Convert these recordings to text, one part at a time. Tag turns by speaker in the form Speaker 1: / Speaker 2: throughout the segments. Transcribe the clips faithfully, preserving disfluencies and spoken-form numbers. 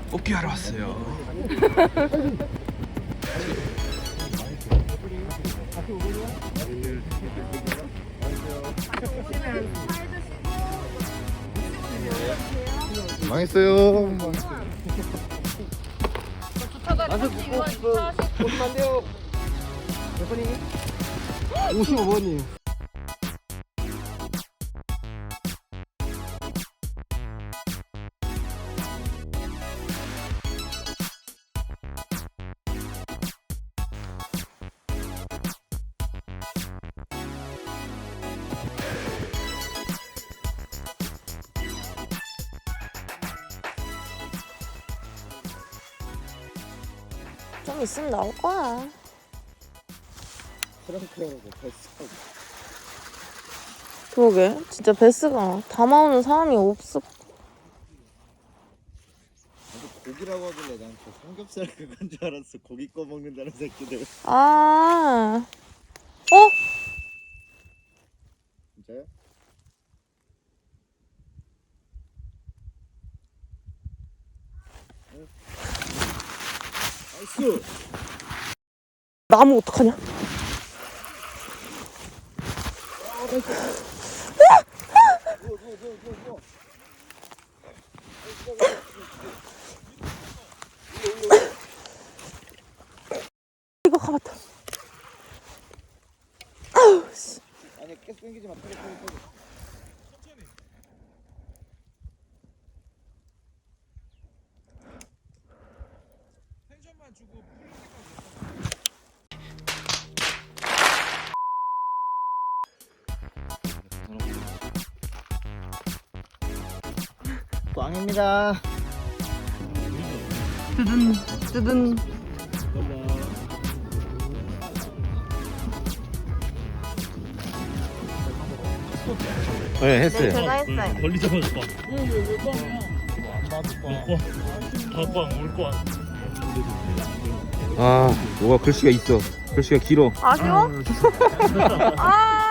Speaker 1: 뽑기 하러 왔어요.
Speaker 2: 망했어요. 오십오 번이에요.
Speaker 3: 좀 있으면 나올 거야.
Speaker 2: 프랑크하고 베스트.
Speaker 3: 그러게 진짜 베스가 담아오는 사람이 없어.
Speaker 2: 고기라고 하길래 난 저 삼겹살 그건 줄 알았어. 고기 꺼 먹는다는 새끼들.
Speaker 3: 아, 어?
Speaker 2: 진짜요? 나이스.
Speaker 3: 나무 어떡하냐? 이거 가봤다. 아우 씨.
Speaker 2: 아니 계속 당기지 마. 빨리 빨리 빨리.
Speaker 1: 텐션만 주고
Speaker 2: 꽝입니다.
Speaker 3: 뜨든 뜨든.
Speaker 2: 네 했어요.
Speaker 3: 제가 했어요.
Speaker 4: 멀리 잡아줬다. 왜왜왜 꽝이야? 안 봐도 꽝. 다 꽝, 올 꽝.
Speaker 2: 아 뭐가 글씨가 있어. 글씨가 길어.
Speaker 3: 아쉬워? 아.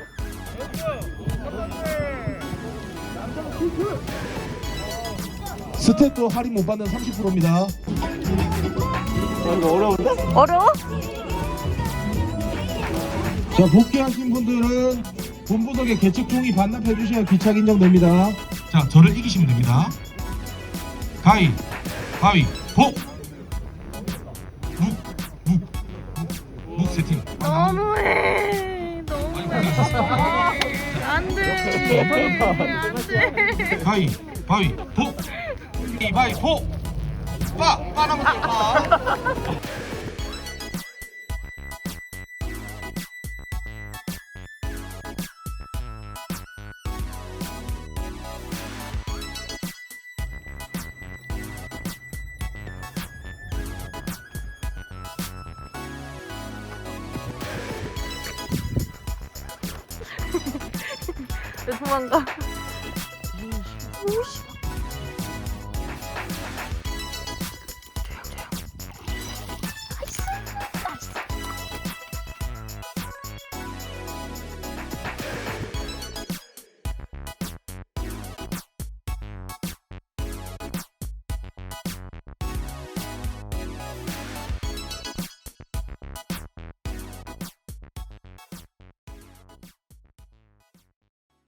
Speaker 5: 스텝도 할인 못 받는 삼십 퍼센트입니다.
Speaker 2: 이거 어려운데?
Speaker 3: 어려워?
Speaker 5: 자, 복귀하신 분들은 본부석에 개측 종이 반납해 주셔야 귀착 인정됩니다. 자, 저를 이기시면 됩니다. 가위, 가위, 복! 묵, 묵, 묵, 묵 세팅.
Speaker 3: 너무해. 너무해. 안돼. 안돼.
Speaker 5: 가위, 가위, 복! 이바이, 복! 빠! 빠나면 빠!
Speaker 3: 왜 도망가? 오씨.